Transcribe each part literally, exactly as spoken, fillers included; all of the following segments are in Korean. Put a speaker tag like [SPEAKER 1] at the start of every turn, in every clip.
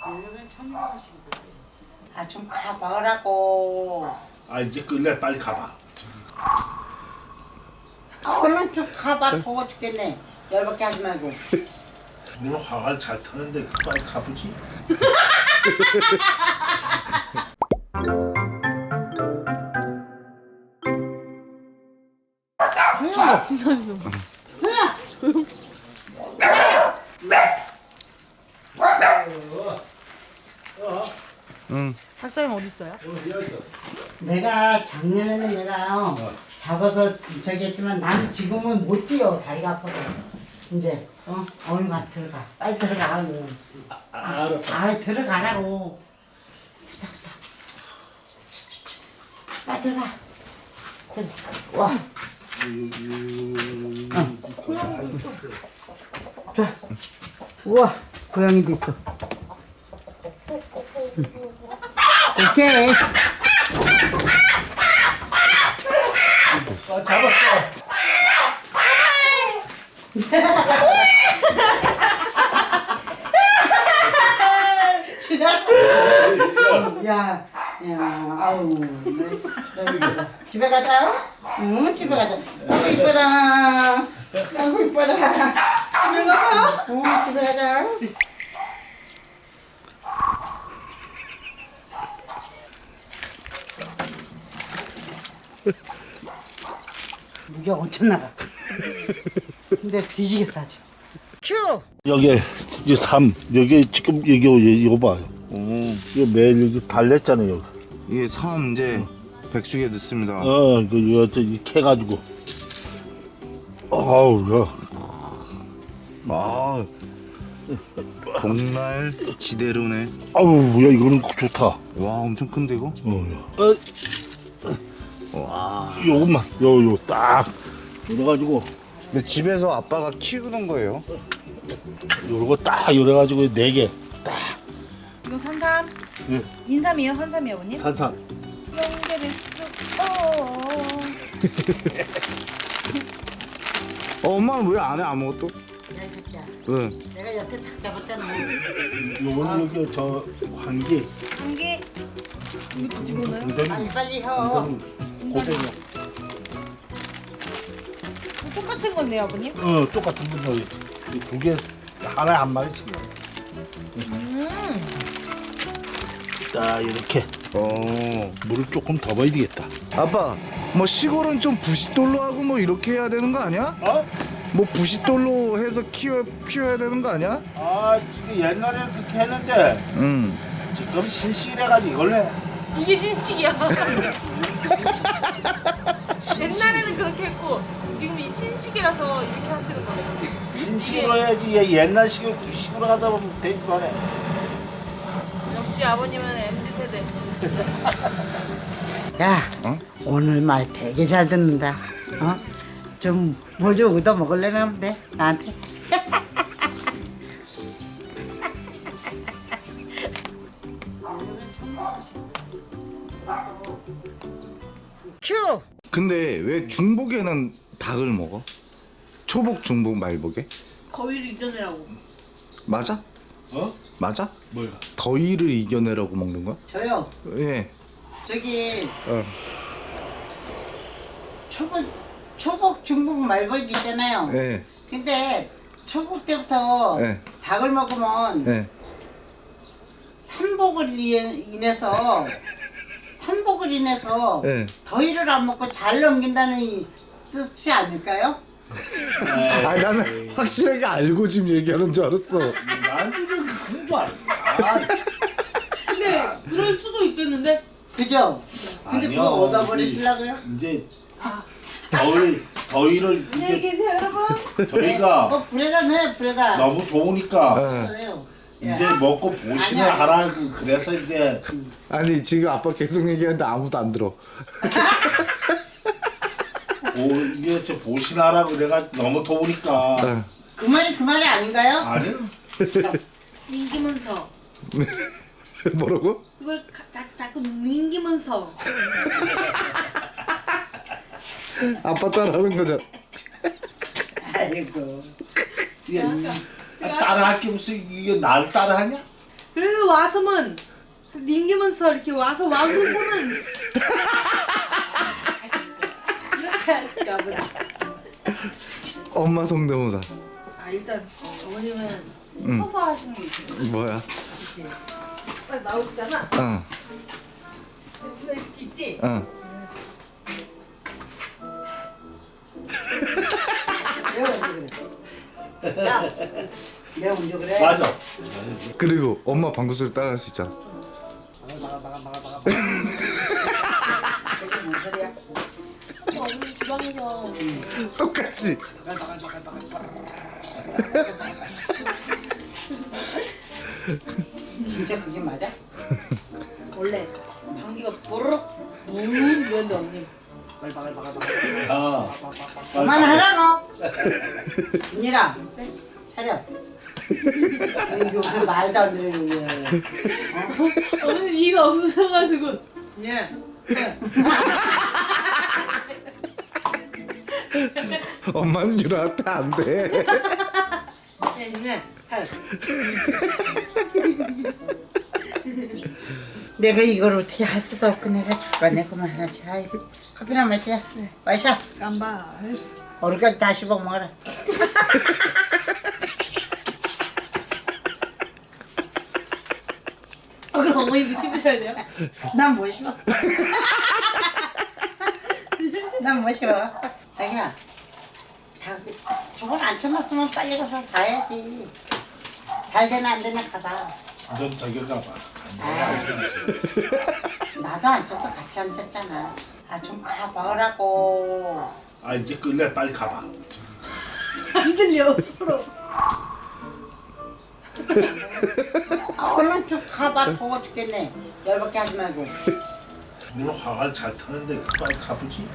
[SPEAKER 1] 아 좀 가봐라고.
[SPEAKER 2] 아 이제 끌래 빨리 가봐.
[SPEAKER 1] 그러면 좀 가봐. 더워 죽겠네. 열받게 하지 말고.
[SPEAKER 2] 너는 화를 잘 타는데 빨리 가보지.
[SPEAKER 3] 응.
[SPEAKER 4] 닭장님 어디 있어요?
[SPEAKER 1] 내가 작년에는 내가 어, 잡아서 저기 했지만 나는 지금은 못 뛰어. 다리가 아파서. 이제 어 어느 가 들어가. 빨리 들어가.
[SPEAKER 2] 아, 알았어.
[SPEAKER 1] 아 들어가라고. 후딱후딱. 빨리 들어가. 그래. 와. 좋아. 우와 고양이도 있어. 응. 오케이.
[SPEAKER 2] 아, 잡았어.
[SPEAKER 1] 야, 야, 아우, 너무 이쁘다. 집에 가자. 응, 집에 가자. 아이고 이뻐라. 아이고 이뻐라. 집에 가자. 응, 집에 가자. 무게 엄청 나가. 근데 뒤지겠어 아주. 큐.
[SPEAKER 2] 여기 이제 삼 여기 지금 여기 여기 이거 봐요.
[SPEAKER 3] 오,
[SPEAKER 2] 이거 매일 여기 달랬잖아요. 여기.
[SPEAKER 3] 이게 삼 이제 백숙에 넣습니다.
[SPEAKER 2] 어, 그 여기 이렇게 해가지고. 아우 야.
[SPEAKER 3] 아, 복날 지대로네.
[SPEAKER 2] 아우 야 이거는 좋다.
[SPEAKER 3] 와, 엄청 큰데 이거?
[SPEAKER 2] 어, 야. 어,
[SPEAKER 3] 와.
[SPEAKER 2] 요것만 요요 딱 이래가지고
[SPEAKER 3] 근데 집에서 아빠가 키우는 거예요?
[SPEAKER 2] 요거 딱 이래가지고 네 개 딱
[SPEAKER 4] 이거 산삼?
[SPEAKER 2] 예.
[SPEAKER 4] 인삼이에요? 산삼이에요, 언니?
[SPEAKER 2] 산산.
[SPEAKER 4] 연계를 쑥
[SPEAKER 3] 어, 엄마는 왜 안 해 아무것도?
[SPEAKER 1] 야, 이 새끼야.
[SPEAKER 3] 왜?
[SPEAKER 1] 내가 여태 닭 잡았잖아.
[SPEAKER 2] 요거는 여기 저 환기.
[SPEAKER 4] 한 개. 이것도 집어넣어요?
[SPEAKER 1] 빨리 빨리 혀.
[SPEAKER 2] 고생이야.
[SPEAKER 4] 똑같은 건데요, 아버님?
[SPEAKER 2] 어 똑같은 거 두 개 하나에 한 마리씩.
[SPEAKER 4] 음.
[SPEAKER 2] 딱 이렇게
[SPEAKER 3] 어.
[SPEAKER 2] 물을 조금 더 넣어야 되겠다.
[SPEAKER 3] 아빠, 뭐 시골은 좀 부싯돌로 하고 뭐 이렇게 해야 되는 거 아니야?
[SPEAKER 2] 어?
[SPEAKER 3] 뭐 부싯돌로 해서 키워 키워야 되는 거 아니야?
[SPEAKER 2] 아 지금 옛날에는 그렇게 했는데
[SPEAKER 3] 응.
[SPEAKER 2] 지금 신식이래가지고 이걸 해.
[SPEAKER 4] 이게 신식이야. 옛날에는 그렇게 했고 지금 이 신식이라서 이렇게 하시는 거예요.
[SPEAKER 2] 신식으로 해야지 얘 옛날식으로 구식으로 하다 보면 되지도 않아.
[SPEAKER 4] 역시 아버님은 엠지 세대.
[SPEAKER 1] 야,
[SPEAKER 3] 어?
[SPEAKER 1] 오늘 말 되게 잘 듣는다. 어? 좀 뭐 좀 얻어 먹을래나 본데 나한테. 큐.
[SPEAKER 3] 근데 왜 중복에는 닭을 먹어? 초복, 중복, 말복에?
[SPEAKER 4] 거위를 이겨내라고.
[SPEAKER 3] 맞아?
[SPEAKER 2] 어?
[SPEAKER 3] 맞아?
[SPEAKER 2] 뭐야?
[SPEAKER 3] 더위를 이겨내라고 먹는 거야?
[SPEAKER 1] 저요.
[SPEAKER 3] 예.
[SPEAKER 1] 저기
[SPEAKER 3] 어.
[SPEAKER 1] 초복, 초복, 중복, 말복 있잖아요.
[SPEAKER 3] 예.
[SPEAKER 1] 근데 초복 때부터
[SPEAKER 3] 네.
[SPEAKER 1] 닭을 먹으면
[SPEAKER 3] 예.
[SPEAKER 1] 삼복을 인해- 인해서 삼복을 인해서
[SPEAKER 3] 네.
[SPEAKER 1] 더위를 안 먹고 잘 넘긴다는 이 뜻이 아닐까요?
[SPEAKER 3] 아, 나는 확실하게 알고 지금 얘기하는 줄 알았어.
[SPEAKER 2] 난 지금 그런 줄 알아.
[SPEAKER 4] 근데 그럴 수도 있겠는데?
[SPEAKER 1] 그죠? 근데
[SPEAKER 2] 아니요,
[SPEAKER 1] 그거 얻어버리시려고요?
[SPEAKER 2] 이제 더위 더위를
[SPEAKER 4] 안녕히
[SPEAKER 2] 이게
[SPEAKER 4] 계세요, 여러분.
[SPEAKER 2] 저희가
[SPEAKER 1] 어 불에다 넣어요 불에다.
[SPEAKER 2] 너무 좋으니까
[SPEAKER 1] 넣어요.
[SPEAKER 2] 이제 먹고 보신을
[SPEAKER 1] 아니야.
[SPEAKER 2] 하라고 그래서 이제
[SPEAKER 3] 아니 지금 아빠 계속 얘기하는데 아무도 안 들어.
[SPEAKER 2] 오 이게 저 보신하라고 그래가 너무 더우니까
[SPEAKER 3] 어.
[SPEAKER 1] 그 말이 그 말이 아닌가요?
[SPEAKER 2] 아니
[SPEAKER 4] 민기면서
[SPEAKER 3] 뭐라고?
[SPEAKER 4] 그걸 가, 자, 자꾸 민기면서
[SPEAKER 3] 아빠 따라하는 거잖아.
[SPEAKER 1] 아이고.
[SPEAKER 2] 이게 따라할 게 무슨 이게 날 따라하냐?
[SPEAKER 4] 그래도 와서면 닝기면서 이렇게 와서 와그서면 이렇게 하시죠 아버지.
[SPEAKER 3] 엄마 성대모사.
[SPEAKER 4] 아 일단 어머님은
[SPEAKER 3] 응.
[SPEAKER 4] 서서 하시는 게 있어요.
[SPEAKER 3] 뭐야?
[SPEAKER 4] 이렇게 딱 나오시잖아.
[SPEAKER 3] 응,
[SPEAKER 4] 근데 이렇게 있지?
[SPEAKER 3] 응.
[SPEAKER 1] 내가 언제 그래? 야, 내가 언제 그래?
[SPEAKER 2] 맞아.
[SPEAKER 3] 그리고 엄마 방구 소리 따라할 수 있잖아.
[SPEAKER 1] 막아 막아 막아 막아. 이게 뭔 소리야?
[SPEAKER 4] 어머니 주방에서
[SPEAKER 3] 똑같지?
[SPEAKER 1] 진짜 그게 맞아?
[SPEAKER 4] 원래 방귀가 뽀르륵 문 이런데 언니
[SPEAKER 2] 아,
[SPEAKER 1] 그만하라고. 윤희라, 차려. 아니, 요새 말도 안 되는 거야.
[SPEAKER 4] 어머님 이가 없으셔가지고 예.
[SPEAKER 3] 엄마는 유라한테 안 돼.
[SPEAKER 1] 네. 내가 이걸 어떻게 할 수도 없고 내가 죽겠네. 그만 하나 자. 커피나 마시자. 마셔.
[SPEAKER 4] 깜발.
[SPEAKER 1] 어르까지 다 씹어 먹어라.
[SPEAKER 4] 아 그럼 어머니도 씹으셔야 돼요?
[SPEAKER 1] 난 뭐 씹어? 난 뭐 씹어? 자기야, 다 저걸 안 참았으면 빨리 가서 가야지. 잘 되나 안 되나 가봐.
[SPEAKER 2] 넌 저기 가봐.
[SPEAKER 1] 아, 나도 앉아서 같이 앉았잖아. 아, 좀 가봐라고.
[SPEAKER 2] 아 이제 끌래 빨리 가봐.
[SPEAKER 4] 안 들려 서로.
[SPEAKER 1] 아, 얼른 좀 가봐. 더워 죽겠네. 열받게 하지 말고.
[SPEAKER 2] 물 화를 잘 타는데 빨리 가보지.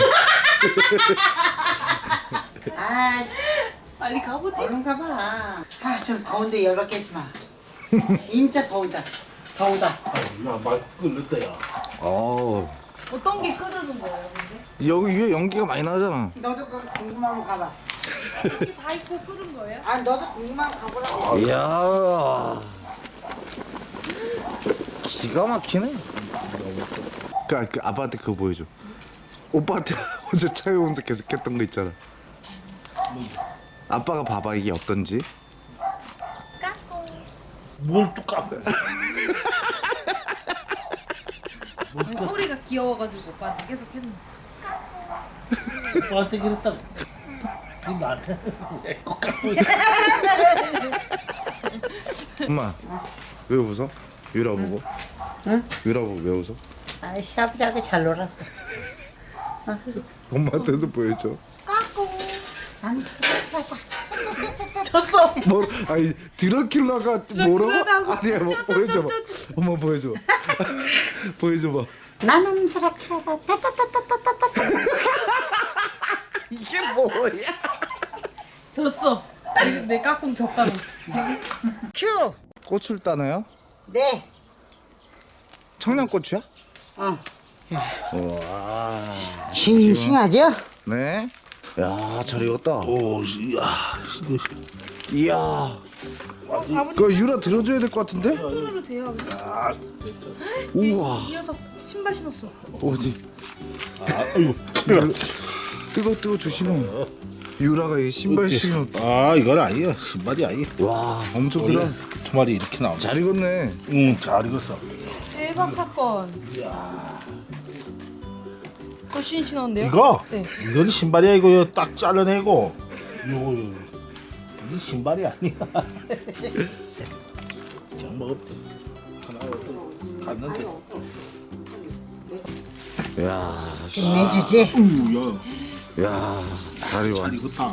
[SPEAKER 1] 아,
[SPEAKER 4] 빨리 가보지.
[SPEAKER 1] 얼른 가봐. 아, 좀 더운데 열받게 하지 마. 진짜 더우다. 더우다.
[SPEAKER 2] 아, 나말 끌렸다 야.
[SPEAKER 3] 어.
[SPEAKER 4] 어떤 게 끓는 거예요 근데?
[SPEAKER 3] 여기 위에 연기가 많이 나잖아.
[SPEAKER 1] 너도 그 궁금하면 가봐.
[SPEAKER 4] 이렇게 다 있고 끓은 거예요?
[SPEAKER 1] 아, 너도 궁금하면 가보라고.
[SPEAKER 3] 이야. 기가 막히네. 그, 그 아빠한테 그거 보여줘. 오빠한테 어제 차에 오면서 계속 했던 거 있잖아. 아빠가 봐봐 이게 어떤지.
[SPEAKER 2] 뭘 또 까고?
[SPEAKER 4] 소리가 귀여워가지고 오빠한테 계속 했는데.
[SPEAKER 2] 오빠한테 그랬다고. 니 나한테 왜꼭 까고 있어?
[SPEAKER 3] 엄마 왜 웃어? 유라 보고?
[SPEAKER 1] 응?
[SPEAKER 3] 유라 보고 왜 웃어?
[SPEAKER 1] 아, 시아버지하고 잘 놀았어.
[SPEAKER 3] 엄마한테도 보여줘.
[SPEAKER 1] 아니,
[SPEAKER 4] 졌어.
[SPEAKER 3] 뭐 아니 드라큘라가 뭐라고?
[SPEAKER 4] 드라큘라다고.
[SPEAKER 3] 아니야 뭐
[SPEAKER 4] 쩌, 쩌,
[SPEAKER 3] 보여줘봐.
[SPEAKER 4] 쩌, 쩌, 쩌.
[SPEAKER 3] 엄마 보여줘. 보여줘봐.
[SPEAKER 1] 나는 드라큘라다. 따따따따따따따.
[SPEAKER 3] 이게 뭐야?
[SPEAKER 4] 졌어. 내, 내 까꿍 졌다고.
[SPEAKER 1] 큐.
[SPEAKER 3] 고추를 따나요?
[SPEAKER 1] 네.
[SPEAKER 3] 청양고추야?
[SPEAKER 1] 어.
[SPEAKER 3] 와.
[SPEAKER 1] 싱싱하죠?
[SPEAKER 3] 네. 야, 잘 익었다.
[SPEAKER 2] 오, 야,
[SPEAKER 3] 이야.
[SPEAKER 4] 아버님
[SPEAKER 3] 그거 유라 들어줘야 될 것 같은데?
[SPEAKER 4] 손으로 돼요.
[SPEAKER 3] 우와.
[SPEAKER 4] 이 녀석 신발 신었어.
[SPEAKER 3] 어디?
[SPEAKER 2] 아이고.
[SPEAKER 3] 뜨거 뜨거 조심해. 유라가 이 신발 신어.
[SPEAKER 2] 아, 이건 아니야. 신발이 아니야.
[SPEAKER 3] 와, 엄청
[SPEAKER 2] 원래
[SPEAKER 3] 크다.
[SPEAKER 2] 두 마리 이렇게 나오네.
[SPEAKER 3] 잘 익었네.
[SPEAKER 2] 응, 잘 익었어.
[SPEAKER 4] 대박 사건. 그거 신신한데요?
[SPEAKER 2] 이거?
[SPEAKER 4] 네.
[SPEAKER 2] 이건 신발이야. 이거 딱 잘라내고. 요거, 요거. 이게 신발이 아니야. 그냥 먹었대. 하나 갔는데.
[SPEAKER 3] 야,
[SPEAKER 1] 끝내주지.
[SPEAKER 2] 우, 야,
[SPEAKER 3] 야, 다리 와.
[SPEAKER 2] 잘 익었다.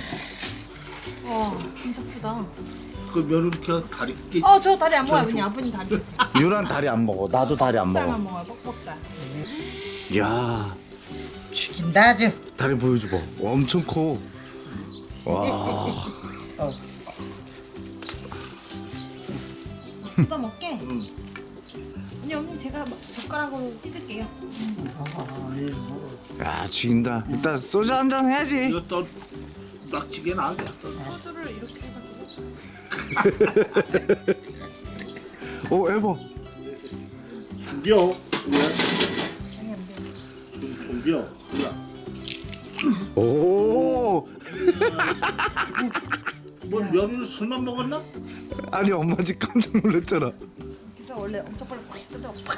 [SPEAKER 4] 와 진짜 크다.
[SPEAKER 2] 그 면을 이렇게 다리 깨.
[SPEAKER 4] 어 저 다리 안 먹어요. 그냥 아버님 다리.
[SPEAKER 3] 유라는 다리 안 먹어. 나도 다리 안
[SPEAKER 4] 쌀만
[SPEAKER 3] 먹어.
[SPEAKER 4] 먹어요. 뻑뻑살.
[SPEAKER 3] 야,
[SPEAKER 1] 죽인다 아주.
[SPEAKER 3] 다리 보여줘봐. 와, 엄청 커. 와.
[SPEAKER 4] 뜯어 먹게. 아니 어머님 제가 젓가락으로 찢을게요.
[SPEAKER 3] 야, 죽인다. 일단 소주 한 잔 해야지.
[SPEAKER 2] 이거 또 낙지게 나게.
[SPEAKER 4] 소주를 이렇게 해가지고.
[SPEAKER 3] 오 해봐.
[SPEAKER 2] 숨겨. 손 숨겨. 그래.
[SPEAKER 3] 오.
[SPEAKER 2] 뭐 며느리 술만 먹었나?
[SPEAKER 3] 아니 엄마 집 깜짝 놀랐잖아.
[SPEAKER 4] 그래서 원래 엄청 빨리 팍 뜯어. 팍.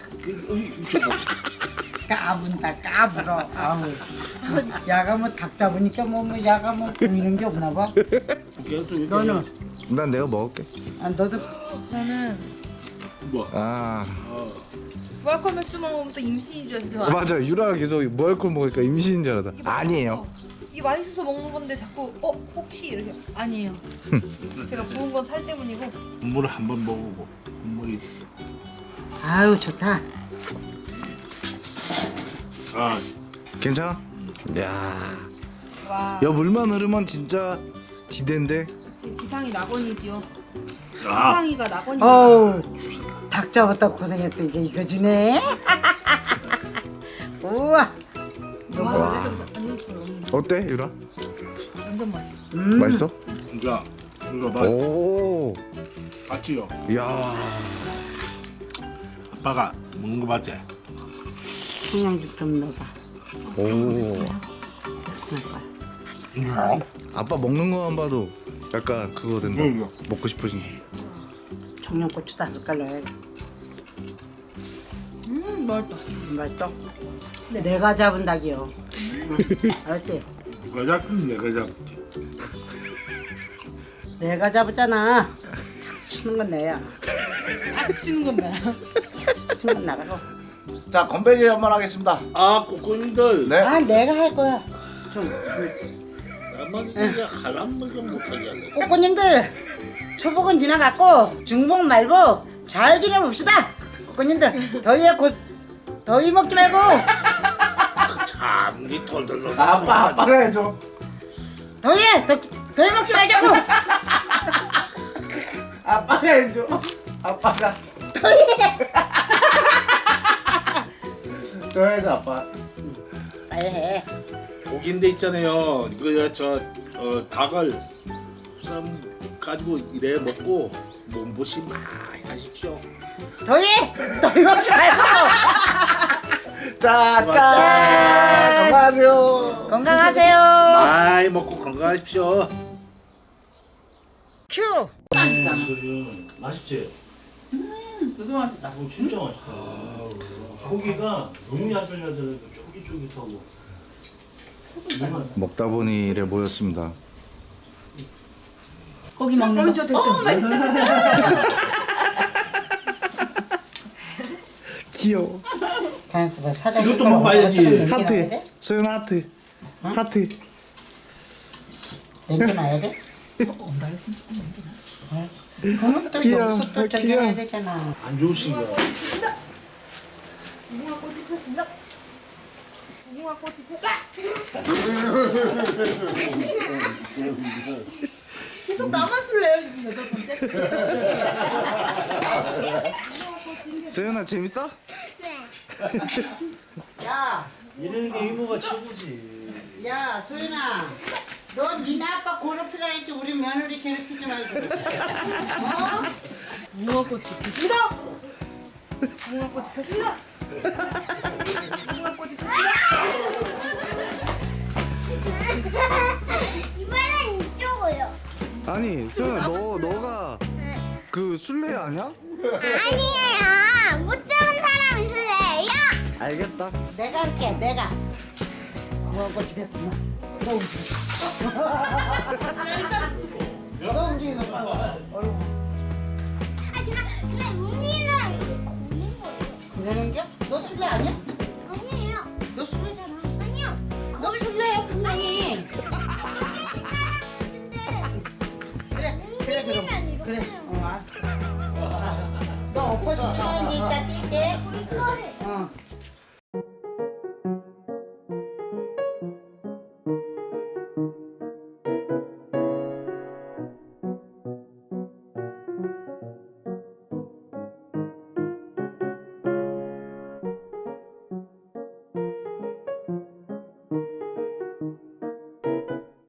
[SPEAKER 1] 까분다 까불어. 아우. 야가 뭐 닭 잡으니까 뭐, 뭐 야가 뭐 보이는 게 없나 봐. 너는?
[SPEAKER 3] 난 내가 먹을게.
[SPEAKER 1] 아, 너도
[SPEAKER 4] 나는
[SPEAKER 2] 뭐?
[SPEAKER 3] 아
[SPEAKER 4] 무알콜 맥주 먹으면 또 임신인 줄 알았어.
[SPEAKER 3] 맞아. 유라가 계속 무알콜 먹으니까 임신인 줄 알았다. 아니에요.
[SPEAKER 4] 이 맛있어서 먹는 건데 자꾸 어 혹시 이렇게 아니에요. 제가 부은 건 살 때문이고.
[SPEAKER 2] 국물을 한번 먹어보고 국물이
[SPEAKER 1] 아유 좋다.
[SPEAKER 2] 아
[SPEAKER 3] 괜찮아? 야.
[SPEAKER 4] 와.
[SPEAKER 3] 야 물만 흐르면 진짜 지대인데.
[SPEAKER 4] 지, 지상이 낙원이지요.
[SPEAKER 2] 아.
[SPEAKER 4] 지상이가 낙원이.
[SPEAKER 1] 어우 닭 잡았다 고생했던 게 이거 주네. 우와.
[SPEAKER 4] 와, 진짜 맛있어. 아니, 이거 너무
[SPEAKER 3] 어때 유라?
[SPEAKER 4] 완전 맛있어.
[SPEAKER 1] 음.
[SPEAKER 3] 맛있어?
[SPEAKER 2] 이거 이거 봐
[SPEAKER 3] 오.
[SPEAKER 2] 맞지요?
[SPEAKER 3] 야.
[SPEAKER 2] 아빠가 먹는 거 맞지?
[SPEAKER 1] 청양죽 좀 넣어봐.
[SPEAKER 3] 오.
[SPEAKER 2] 음.
[SPEAKER 3] 아빠 먹는 거만 봐도 약간 그거 된다.
[SPEAKER 2] 응,
[SPEAKER 3] 먹고 싶어진.
[SPEAKER 1] 청양고추 다섯 갈 넣어야 돼.
[SPEAKER 4] 음, 맛있다.
[SPEAKER 1] 맛있어? 내가 잡은 닭이요. 알았지?
[SPEAKER 2] 이거 잡긴 내가 잡지.
[SPEAKER 1] 내가 잡았잖아. 치는 건 내야.
[SPEAKER 4] 딱 치는 건 나야.
[SPEAKER 1] 치는 건 나라고.
[SPEAKER 5] 자 건배제 한번 하겠습니다.
[SPEAKER 2] 아 꼬꼬님들.
[SPEAKER 5] 네.
[SPEAKER 1] 아 내가 할 거야. 좀 있어.
[SPEAKER 2] 나만 이제 하란 말좀 못하게 하네.
[SPEAKER 1] 꼬꼬님들 초복은 지나갔고 중복 말고 잘 지내봅시다. 꼬꼬님들 더위에 곧 더위 먹지 말고
[SPEAKER 2] 참니 덜덜 놀.
[SPEAKER 5] 아빠 아빠가 해줘.
[SPEAKER 1] 더위에 더, 더위 먹지 말자고.
[SPEAKER 5] 아빠가 해줘. 아빠가. 또 해줘 아빠.
[SPEAKER 1] 빨리 해.
[SPEAKER 2] 고기인데 있잖아요. 이거 저 어, 닭을 쌈 가지고 이래 먹고 몸보시 많이 하십시오.
[SPEAKER 1] 더위 더위 먹지 말고
[SPEAKER 5] 자, 짠. 건강하세요.
[SPEAKER 1] 건강하세요.
[SPEAKER 2] 많이 먹고 건강하십시오.
[SPEAKER 1] 큐.
[SPEAKER 6] 맛있지? 음, 되게 맛있다. 어, 진짜 맛있다. 고기가 너무 야들야들하고 쫄깃쫄깃하고. 너무 맛있다.
[SPEAKER 3] 먹다 보니 이래 모였습니다.
[SPEAKER 7] 고기 먹는 거. 어, 맛있다.
[SPEAKER 3] 귀여워.
[SPEAKER 1] 가만있어 봐. 사장
[SPEAKER 2] 이것도 먹어봐야지.
[SPEAKER 3] 하트. 소연 하트. 하트.
[SPEAKER 1] 남겨놔야 돼? 그러면 또
[SPEAKER 3] 귀여워.
[SPEAKER 1] 여기서 또 저기
[SPEAKER 3] 귀여워.
[SPEAKER 1] 해야 되잖아.
[SPEAKER 2] 안 좋으신 거야.
[SPEAKER 4] 무궁화 꽃이 폈습니다. 무궁화 꽃이 폈. 계속 나만 술래요 지금 여덟 번째.
[SPEAKER 3] 소연아 재밌어?
[SPEAKER 1] 야,
[SPEAKER 6] 이러는 게 이모가 최고지.
[SPEAKER 1] 야, 소연아, 너 니네 아빠 괴롭히라 했지 우리 며느리 괴롭히지 말고. 어?
[SPEAKER 4] 무궁화 꽃이 폈습니다. 무궁화 꽃이 폈습니다. 무궁화 꽃이 폈습니다.
[SPEAKER 8] 이번엔 이쪽으로.
[SPEAKER 3] 아니 소연아 너 너가 그 술래 아니야?
[SPEAKER 8] 아니에요. 못 잡은 사람이 술래예요.
[SPEAKER 3] 알겠다.
[SPEAKER 1] 내가 할게, 내가. 뭐 꽃이 폈구나. 너 움직여. 너 움직이는 거 봐. 얼굴
[SPEAKER 8] 아 그냥 그냥 움직이는 사람 이렇게 걷는 거예요.
[SPEAKER 1] 그러는 게? 너 술래 아니야?
[SPEAKER 8] 아니에요.
[SPEAKER 1] 너 술래잖아.
[SPEAKER 8] 아니요.
[SPEAKER 1] 너 술래야 분명히. 그래, 그래 그럼.
[SPEAKER 8] 움직이면 이렇게
[SPEAKER 1] 그래.
[SPEAKER 8] 해요.
[SPEAKER 1] 어, 알았어. 너 엎어지면 이따 뛸게.
[SPEAKER 8] 이거를
[SPEAKER 1] 어.